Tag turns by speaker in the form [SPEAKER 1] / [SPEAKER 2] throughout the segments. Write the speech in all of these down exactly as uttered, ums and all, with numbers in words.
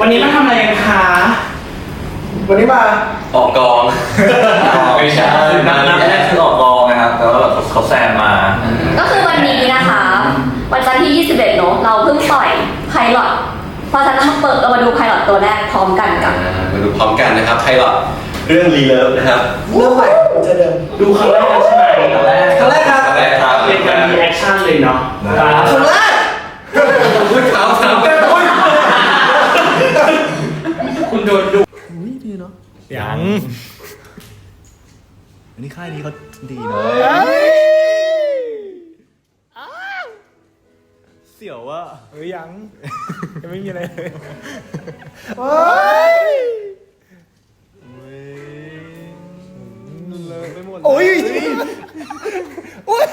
[SPEAKER 1] วันนี้มาทำอะไรกันคะ
[SPEAKER 2] วันนี้มา
[SPEAKER 3] ออกกองไม่ใช่นัดนัดแรกคือออกกองนะครับแต่ว่าแบบเขาแซมมา
[SPEAKER 4] ก็คือวันนี้นะคะวันจันทร์ที่ยี่สิบเอ็ดเนอะเราเพิ่งปล่อยไพลอตเพราะฉะนั้นมาเปิดเรามาดูไพลอตตัวแรกพร้อมกันกัน
[SPEAKER 3] มาดูพร้อมกันนะครับไพลอตเรื่องรีเลิฟนะครับ
[SPEAKER 2] เรื่องใหม่จะเดิม
[SPEAKER 1] ดูครั้งแรกใช่ไหมครั้งแรก
[SPEAKER 2] ครั้งแรกครับ
[SPEAKER 3] ครั้งแรกครับ
[SPEAKER 1] เป็นการรีแอคชั่นเลยเนาะ
[SPEAKER 2] ครั้งแรก
[SPEAKER 3] พูดเขาสามแก้ว
[SPEAKER 1] คุณโดนดู
[SPEAKER 2] อุ้ยดีเนาะ
[SPEAKER 5] ยังอันนี้ค่ายนี้เขาดีเนาะเสี่ยวว่ะเฮ้ยยังยังไม่มีอะไรเลย
[SPEAKER 2] เฮ้ย
[SPEAKER 5] เลยไปหมด
[SPEAKER 2] โอ้ยโอ้ย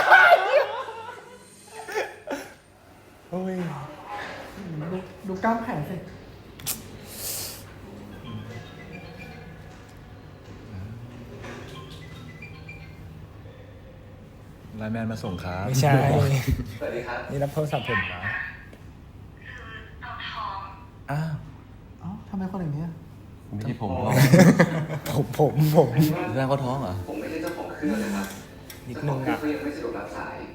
[SPEAKER 2] โอ้ยดูดูกล้ามแขนสิ
[SPEAKER 5] ไลน์แมนมาส่งครับ
[SPEAKER 6] ไม่ใช่
[SPEAKER 3] สวัสดีครับ
[SPEAKER 6] นี่รับโทรศัพท์ผมนะ
[SPEAKER 5] อ้าว
[SPEAKER 2] เอ้าทำไมคนอย่างนี้
[SPEAKER 5] ไม่ใช่ผม
[SPEAKER 6] ผมผมผม
[SPEAKER 5] แสดงเขาท้องเหรอ
[SPEAKER 3] ผมไม่ใช่เจ้าของเครื่องนะครับ
[SPEAKER 6] นิดนึงอ่ะ
[SPEAKER 3] เขายังไม่สะดวกรับสาย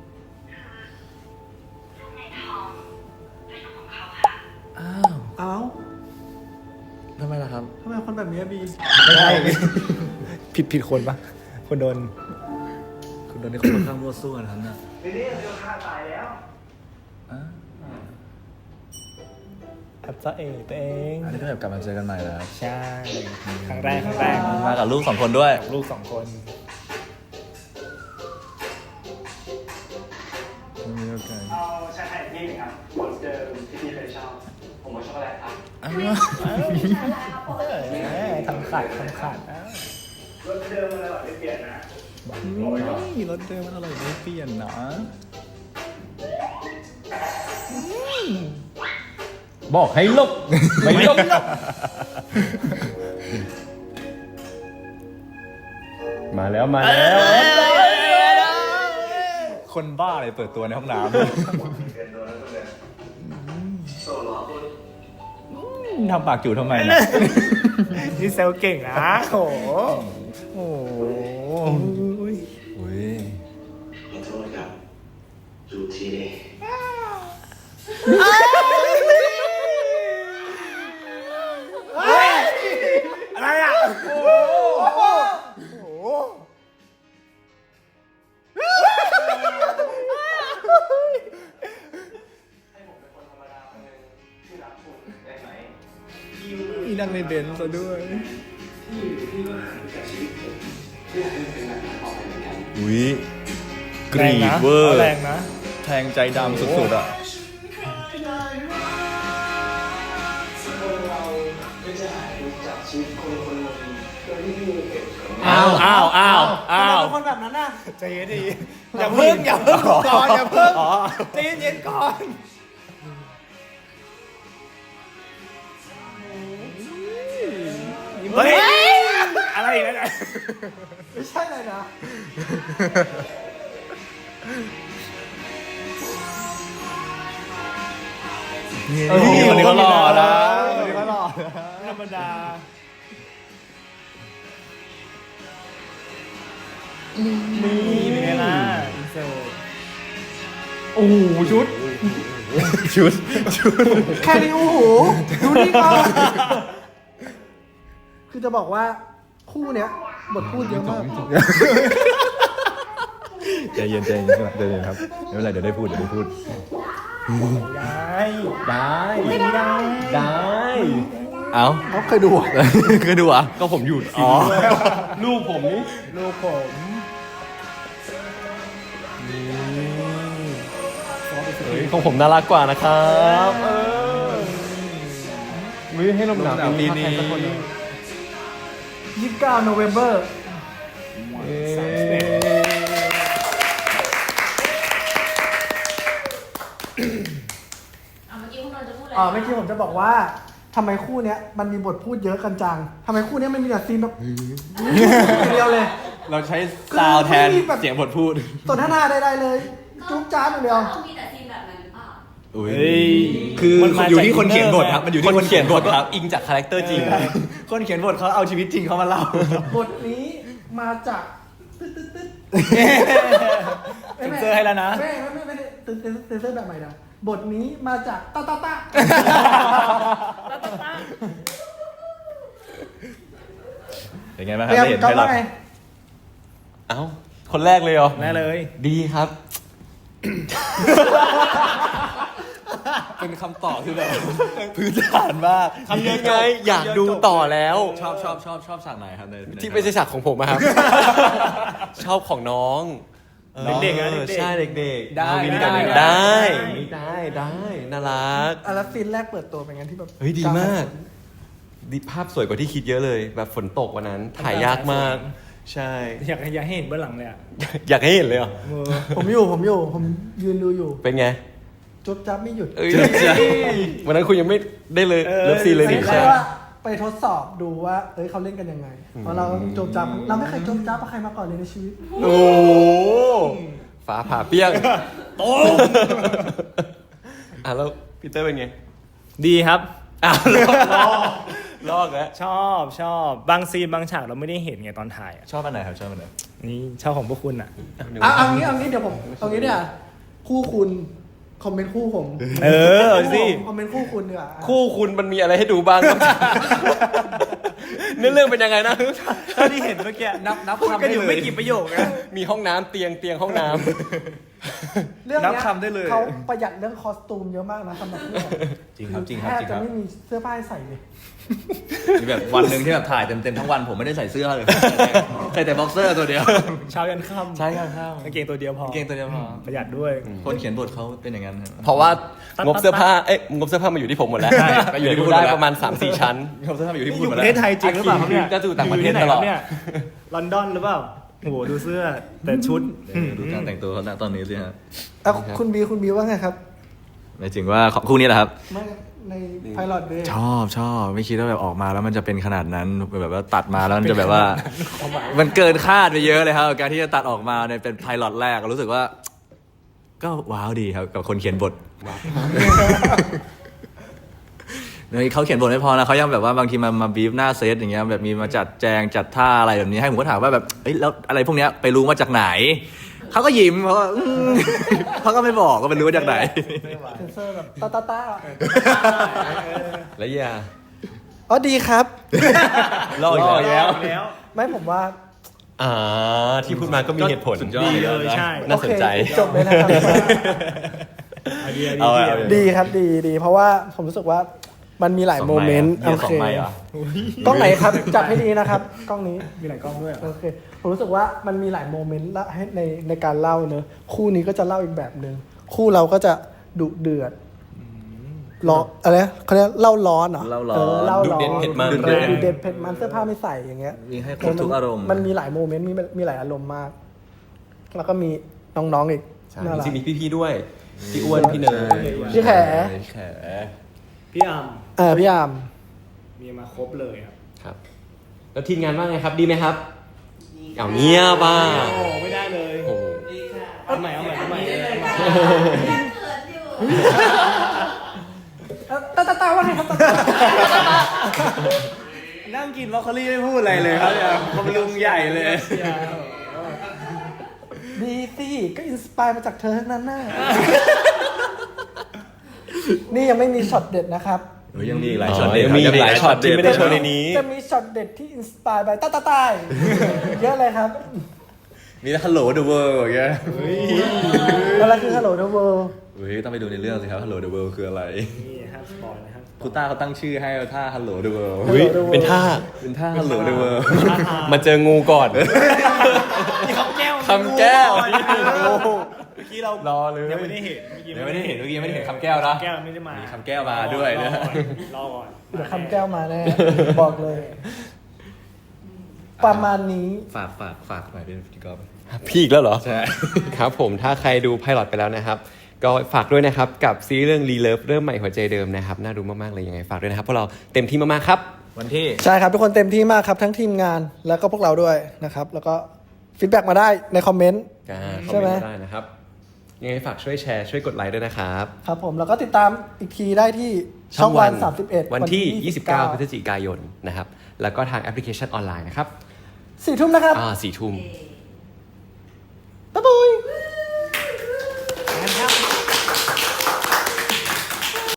[SPEAKER 5] อ้าว
[SPEAKER 2] เอ้า
[SPEAKER 5] ทำไมล่ะครับ
[SPEAKER 2] ทำไมคนแบบนี้บี
[SPEAKER 6] ไม่ใช่ผิดผิดคนปะคนโดน
[SPEAKER 5] คุณโดนในคนข้างมั่วซั่วนะครับน่ะ
[SPEAKER 1] นี่นี่เดี๋ยวฆ่าตายแล้ว
[SPEAKER 6] อับซะเองตัวเอง
[SPEAKER 5] อันนี้ก็แบบกลับมาเจอกันใหม่แล้ว
[SPEAKER 6] ใช่ครั้งแรกครั้งแรก
[SPEAKER 5] มากับลูกสองคนด้วย
[SPEAKER 6] ลูกสองคน
[SPEAKER 5] มีโอกาส
[SPEAKER 1] เอาชาไทยที่หนึ่งครับเหมือนเดิมที่พี่เคยชอบผมว่าช็อกโกแลตครับ
[SPEAKER 5] อ้าว
[SPEAKER 6] ทำขาดทำขาด
[SPEAKER 1] รสเดิมมันอร่อยไม่เปลี่ยนนะ
[SPEAKER 5] นี่รถเดิมมันอร่อยไม่เปลี่ยนนะบอกให้ลบไม่ลบมาแล้วมาแล้วคนบ้าเลยเปิดตัวในห้องน้ำทำปากจู่ทำไมนะ
[SPEAKER 6] นี่เซลเก่งนะโอ้โหโอ้ย
[SPEAKER 3] ขอโทษครับจูทีนี่
[SPEAKER 6] อะไรอ่ะโอ้โห
[SPEAKER 5] มีนั่งในเบนซ์ซะด้วยอุ้ยกรีดเวอร์
[SPEAKER 6] แรงนะ
[SPEAKER 5] แทงใจดำสุดๆอ่ะ
[SPEAKER 6] อ้าวอ้าวอ้าวอ้าว
[SPEAKER 2] คนแบบนั้นน่ะ
[SPEAKER 6] ใจเย็นดีอย่าเพิ่งอย่าเพิ่งก่อนอย่าเพิ่งใจเย็นก่อนเฮ้ยอะไรอีกแล้วเนี่ย
[SPEAKER 2] ไม่ใช่เลยนะ
[SPEAKER 5] นี่คนนี้เขาหล่อนะ
[SPEAKER 6] คนนี้เขาหล่อธรรมดานี่เป็นไงล่ะอินเสิร์ตโอ้โหชุด
[SPEAKER 5] ชุดชุด
[SPEAKER 2] แค่นี้โอ้โหดูนี่ก่อนคือจะบอกว่าคู่เนี้ยบทพูดเยอะมาก
[SPEAKER 5] ใจเย็นใจเย็นใจเย็นครับไม่เป็นไรเดี๋ยวได้พูดเดี๋ยวได้พูด
[SPEAKER 6] ได้
[SPEAKER 5] ได้
[SPEAKER 6] ไม่ได้
[SPEAKER 5] ได้เอ้า
[SPEAKER 2] เขาเคยดู
[SPEAKER 5] เคยดูอ่ะก็ผมอยู่อ๋อลูกผมนี่
[SPEAKER 6] ลูกผม
[SPEAKER 5] เฮ้ยของผมน่ารักกว่านะครับเออวิให้ลมหนาวปีนี้
[SPEAKER 2] ยี่สิบเก้าโนเวมเบอร์อ๋อเมื่อกี้ผมจะบอกว่าทำไมคู่เนี้ยมันมีบทพูดเยอะกันจังทำไมคู่เนี้ยมันมีแต่ซีนแบบเดียวเลย
[SPEAKER 5] เราใช้ซาวแทนเสียงบทพูด
[SPEAKER 2] สนทนาใดๆเลยจุ๊บจ้าอย่างเดียว
[SPEAKER 4] มีแต่ซีนแบบนั้นหรือเปล่า
[SPEAKER 5] อุ้ย
[SPEAKER 6] เฮ้ย
[SPEAKER 7] คือ
[SPEAKER 6] มันมา
[SPEAKER 7] อยู่ที่
[SPEAKER 6] จาก
[SPEAKER 7] คนเขียนบทครับ
[SPEAKER 6] อินเนอร์
[SPEAKER 7] มันอยู่
[SPEAKER 5] ค
[SPEAKER 7] ที่
[SPEAKER 5] น
[SPEAKER 7] คน
[SPEAKER 5] เขี
[SPEAKER 7] เขี
[SPEAKER 5] ย
[SPEAKER 7] ย
[SPEAKER 5] น
[SPEAKER 7] น
[SPEAKER 5] บบ ท
[SPEAKER 7] ท
[SPEAKER 5] ค
[SPEAKER 7] ค
[SPEAKER 5] รั
[SPEAKER 7] รั
[SPEAKER 5] บบ อิงจากคาแรคเตอร์จริง
[SPEAKER 7] คนเขียนบทเขาเอาชีวิตจริงเขามาเล่า
[SPEAKER 2] บทนี้มาจากตึ๊ดตึ๊ดตึ๊ด
[SPEAKER 6] เซ็นเซอร์ให้แล้วนะ
[SPEAKER 2] ไม่ไม่ไม่ไม่ตึ๊ดตึ๊ดตึ๊ดตึ๊ดแบบใหม่นะบทนี้มาจากตาตาตา
[SPEAKER 7] เป็นไงบ้างค
[SPEAKER 2] เต
[SPEAKER 7] รับ
[SPEAKER 2] รียม
[SPEAKER 7] ได้เห็น
[SPEAKER 2] ก็
[SPEAKER 7] ไพลอ
[SPEAKER 2] ว่า
[SPEAKER 7] ต
[SPEAKER 2] ไง
[SPEAKER 5] เอ้า คนแรกเลยเหรอ
[SPEAKER 6] แน่เลย
[SPEAKER 5] ดีครับ
[SPEAKER 7] เป็นคำตอบที่แบบ
[SPEAKER 5] พื้นฐานมาก
[SPEAKER 6] คำเดียว
[SPEAKER 5] ไงอยากดูต่อแล้ว
[SPEAKER 7] ชอบชอบชอบชอบฉากไหนครับในใน
[SPEAKER 5] ที่ไม่ใช่ฉากของผมอะครับ ชอบของน้อง
[SPEAKER 6] เด็กๆนะ
[SPEAKER 5] ออ
[SPEAKER 6] เด็กๆ
[SPEAKER 5] ใช่เด็กๆ
[SPEAKER 6] ได้
[SPEAKER 5] เอาวิน
[SPEAKER 6] ได้
[SPEAKER 5] กัน
[SPEAKER 6] ได้
[SPEAKER 5] ได้ได้ได้น่ารัก
[SPEAKER 2] อ่ะแล้วซีนแรกเปิดตัวเป็นไงที่แบบ
[SPEAKER 5] เฮ้ยดีมากดีภาพสวยกว่าที่คิดเยอะเลย แบบฝนตกวันนั้น ถ่ายยากมาก ใช่
[SPEAKER 6] อยากอยากให้เห็นเบื้องหลังเลยอ่ะ
[SPEAKER 5] อยากให้เห็นเลยเหรอ
[SPEAKER 6] มือ
[SPEAKER 2] ผมอยู่ผมอยู่ผมยืนดูอยู่
[SPEAKER 5] เป็นไง
[SPEAKER 2] จุ๊บจับไม่หยุด
[SPEAKER 5] เอ้ยวันนั้นคุณยังไม่ได้เลยเลิฟซีนเลย
[SPEAKER 2] ไม่
[SPEAKER 5] นี่
[SPEAKER 2] ใช่ว่าไปทดสอบดูว่าเอ้ยเขาเล่นกันยังไงเพราะเราจุ๊บจับเราไม่เคยจุ๊บจับกับใครมาก่อนเลยในชีวิต
[SPEAKER 5] โอ้ฟ้าผ่าเปี้ยงโต้อ่ะแล้วพีเตอร์เป็นไง
[SPEAKER 6] ดีครับ
[SPEAKER 5] อ้าวลอกลอกแล้ว
[SPEAKER 6] ชอบชอบบางซีนบางฉากเราไม่ได้เห็นไงตอนถ่ายอ่ะ
[SPEAKER 7] ชอบอันไหนครับชอบอันไหน
[SPEAKER 6] นี่ชอบของพวกคุณอ่ะ
[SPEAKER 2] อ่ะเอางี้เอางี้เดี๋ยวผมเอางี้เนี่ยคู่คุณคอมเมนต์คู่ผม
[SPEAKER 6] เออเอาสิ
[SPEAKER 2] คอมเมนต์คู่คุณดีกว่า
[SPEAKER 5] คู่คุณมันมีอะไรให้ดูบ้างครับ เนื้อเรื่องเป็นยังไงนะ
[SPEAKER 6] เท่าที่เห็นเมื่อกี้
[SPEAKER 7] นับนับ
[SPEAKER 6] พูด
[SPEAKER 7] คำ
[SPEAKER 6] กัน
[SPEAKER 7] ได้
[SPEAKER 6] อยู่
[SPEAKER 7] เล
[SPEAKER 6] ไม่
[SPEAKER 7] ย
[SPEAKER 6] กี่ประโยคนะ
[SPEAKER 5] มีห้องน้ำเตียงเตียงห้องน้
[SPEAKER 2] เรื่อง
[SPEAKER 7] นั
[SPEAKER 2] เนี้
[SPEAKER 7] บคำได้เลย
[SPEAKER 2] เขาประหยัดเรื่องคอสตูมเยอะมากนะสำหรับเรื่อง
[SPEAKER 7] จริงครับจริงครับ
[SPEAKER 2] แทบ
[SPEAKER 7] จริงค
[SPEAKER 2] จะ
[SPEAKER 7] รับ
[SPEAKER 2] ไม่มีเสื้อผ้าให้ใส่เลย
[SPEAKER 7] มีแบบวันหนึ่งที่แบบถ่ายเต็มเต็มๆทั้งวันผมไม่ได้ใส่เสื้อเลยใส่แต่บ็อกเซอร์ตัวเดียว
[SPEAKER 6] เช้ายันค่ำ
[SPEAKER 5] ำใช่ครับครับ
[SPEAKER 6] กางเกงตัวเดียวพอก
[SPEAKER 7] างเกงตัวเดียวพอ
[SPEAKER 6] ประหยัดด้วย
[SPEAKER 7] คนเขียนบทเขาเป็นอย่างนั้นครับ
[SPEAKER 5] เพราะว่างบเสื้อผ้าเอ๊ะงบเสื้อผ้ามาอยู่ที่ผมหมดแล้ว
[SPEAKER 7] ใช่ไปอยู่ที่คุณหมด
[SPEAKER 5] ได้
[SPEAKER 7] แล้ว
[SPEAKER 5] ประมาณ สามสี่ ชั้น
[SPEAKER 7] เขาจะทำอยู่ที่
[SPEAKER 6] นี่
[SPEAKER 7] พู
[SPEAKER 6] อ
[SPEAKER 7] ด
[SPEAKER 6] ยู่
[SPEAKER 7] มา
[SPEAKER 6] ป
[SPEAKER 7] แล้ว
[SPEAKER 6] ระเทศไทยจริงหรือเปล่าครับเนี่ย
[SPEAKER 5] ก็อยู่ต่างประเทศ
[SPEAKER 6] อยู่ที่ไหน
[SPEAKER 5] ตลอด
[SPEAKER 6] ครับเนี่ยลอนดอนหรือเปล่าโอ้โหดูเสื้อแต่ชุด
[SPEAKER 7] เออดูการแต่งตัวเขาณตอนนี้สิฮะ
[SPEAKER 2] อ่ะคุณบีคุณบีว่าไงครับ
[SPEAKER 7] หมายถึงว่าของคู่นี้แหละครับ
[SPEAKER 2] ไม่ในไพลอตเดย์
[SPEAKER 7] ชอบชอบไม่คิดว่าแบบออกมาแล้วมันจะเป็นขนาดนั้นแบบว่าตัดมาแล้วมันจะแบบว่า มันเกินคาดไปเยอะเลยครับกับการที่จะตัดออกมาในเป็นไพลอตแรกรู้สึกว่า ก็ว้าวดีครับกับคนเขียนบทเขาเขียนบทไม่พอนะเขายังแบบว่าบางทีมามาบีฟหน้าเซตอย่างเงี้ยแบบมีมาจัดแจงจัดท่าอะไรแบบนี้ให้ผมก็ถามว่าแบบเอ้ยแล้วอะไรพวกเนี้ยไปรู้มาจากไหนเขาก็ยิ้มเขาก็อืมเขาก็ไม่บอกก็ไปรู้มาจากไหน
[SPEAKER 2] เซนเซอร์แบบตาตาตา
[SPEAKER 5] แล้วอย่า
[SPEAKER 2] อ๋อดีครับ
[SPEAKER 5] ลอกอีกแล้ว
[SPEAKER 6] แล้ว
[SPEAKER 2] ไม่ผมว่า
[SPEAKER 5] อ่าที่พูดมาก็มีเหตุผล
[SPEAKER 7] สุดยอด
[SPEAKER 6] ดีเลยใช่
[SPEAKER 5] น่าสนใจ
[SPEAKER 2] โอเคจบเลยนะครับ
[SPEAKER 6] ไอเดียดี
[SPEAKER 7] เอาไว้
[SPEAKER 6] เดียว
[SPEAKER 7] เอาไว้
[SPEAKER 2] ดีครับดีดีเพราะว่าผมรู้สึกว่ามันมีหลายโมเมนต์
[SPEAKER 7] สอง
[SPEAKER 2] โอ
[SPEAKER 7] ไมค์
[SPEAKER 2] เค
[SPEAKER 7] เหรอ
[SPEAKER 2] กล้องไหนครับจับให้ดีนะครับกล้องนี้
[SPEAKER 6] มีหลายกล้องด้วยเหรอ
[SPEAKER 2] โอเคผมรู้สึกว่ามันมีหลายโมเมนต์ละให้ในในการเล่าเนอะคู่นี้ก็จะเล่าอีกแบบหนึ่งคู่เราก็จะดุเดือดร้อนอะไรนะเขาเรียกเล่าร้อนเหรอ
[SPEAKER 7] เล่าร้อน
[SPEAKER 2] เออเล่าร้อน
[SPEAKER 5] ดุเด็ดเผ็ดมัน
[SPEAKER 2] ดุเด็ดดุเด็ดเผ็ดมันเสื้อผ้าไม่ใส่อย่างเงี้ย
[SPEAKER 7] มีให้ครบทุกอารมณ์
[SPEAKER 2] มันมีหลายโมเมนต์มีมีหลายอารมณ์มาก แล้วก็มีน้องๆอีก
[SPEAKER 5] ใช่
[SPEAKER 2] น่ารัก
[SPEAKER 5] จริงๆมีพี่ๆด้วย พี่อ้วน พี่เนย
[SPEAKER 2] พี่แข
[SPEAKER 7] แข
[SPEAKER 6] พี่อาม
[SPEAKER 2] เออพี่อาม
[SPEAKER 6] มีมาครบเลยครับ
[SPEAKER 5] ครับ แล้วทีมงานว่าไงครับ ดีไหมครับเอาเงียบป่ะ
[SPEAKER 6] โอ้ไม่ได้เลย
[SPEAKER 5] โอ้โห
[SPEAKER 6] เอาใหม่เอาใหม่เอาใหม่
[SPEAKER 2] เอ่อตาตาตาว่าไงครับตาตา
[SPEAKER 6] นั่งกินบรอกโคลี่ไม่พูดอะไรเลยครับเนี่ยบำรุงใหญ่เลย
[SPEAKER 2] ดีสิก็อินสปายมาจากเธอทั้งนั้นน่ะ นี่ยังไม่มีช็อตเด็ดนะครับ
[SPEAKER 7] เฮ้ยยังมีอีกหลายช็อตเด็ด
[SPEAKER 5] ยังมีอีกหลายช็อตที่ไม่ได้โชว์ในนี้
[SPEAKER 2] จะมีช็อตเด็ดที่อินสปายไปตาตาตายเยอะเลยครับ
[SPEAKER 7] มีฮัลโหลเดอะเวิลด์อย่างเงี้ย
[SPEAKER 2] อะไรคือ Hello the World
[SPEAKER 7] เฮ้ยต้องไปดูในเรื่องสิครับฮัลโหลเดอะเวิลด์คืออะไร
[SPEAKER 6] นี่ห้ามสปอยนะครับ
[SPEAKER 7] พุต้าเขาตั้งชื่อให้ท่าฮัลโหลเดอะเวิลด์
[SPEAKER 5] อุ๊ยเป็นท่า
[SPEAKER 7] เป็นท่าฮัลโหลเดอะเวิลด์
[SPEAKER 5] มาเจองูก่อน
[SPEAKER 6] นี่คำแก้ว
[SPEAKER 5] คำแก้ว
[SPEAKER 6] เมื่อกี้เรา
[SPEAKER 5] รอเลย
[SPEAKER 6] ยังไม่ได้เห็น
[SPEAKER 7] ยังไม่ได้เห็นเมื่อกี้ยังไม่ได้เห็นคำแก้วนะ
[SPEAKER 6] แก้วไม่ได้มา
[SPEAKER 7] มีคำแก้วมาด้วยนะ
[SPEAKER 6] รอก่อน
[SPEAKER 2] เดี๋ยวคำแก้วมาแน่ บอกเลย ประมาณนี้
[SPEAKER 7] ฝากฝากฝากหน่อยเป็นพี่กอล์ฟ
[SPEAKER 5] พี่อีกแล้วเหรอ
[SPEAKER 7] ใช่
[SPEAKER 5] ครับผมถ้าใครดูไพลอตไปแล้วนะครับ ก็ฝากด้วยนะครับ กับซีรีส์เรื่องรีเลิฟเริ่มใหม่หัวใจเดิมนะครับ น่าดูมากๆเลยยังไงฝากด้วยนะครับพวกเราเต็มที่มากๆครับ
[SPEAKER 7] วันที่
[SPEAKER 2] ใช่ครับทุกคนเต็มที่มากครับ ทั้งทีมงานแล้วก็พวกเราด้วยนะครับ แล้วก็ฟีดแบ็กมาได้ในคอมเมนต์
[SPEAKER 5] อ่าคอม
[SPEAKER 2] ใช่ไห
[SPEAKER 5] เม
[SPEAKER 2] ม
[SPEAKER 5] นต์ได้นะครับยังไงฝากช่วยแชร์ช่วยกดไลค์ด้วยนะครับ
[SPEAKER 2] ครับผมแล้วก็ติดตามอีกทีได้ที่ช่องวันสามสิบเอ็ด
[SPEAKER 5] วันที่ ยี่สิบเก้า พฤศจิกายนนะครับ แล้วก็ทางแอปพลิเคชันออนไลน์นะครับ
[SPEAKER 2] สี่ทุ่มนะครับ
[SPEAKER 5] อ่าสี่ทุ่ม
[SPEAKER 2] บ๊ายบาย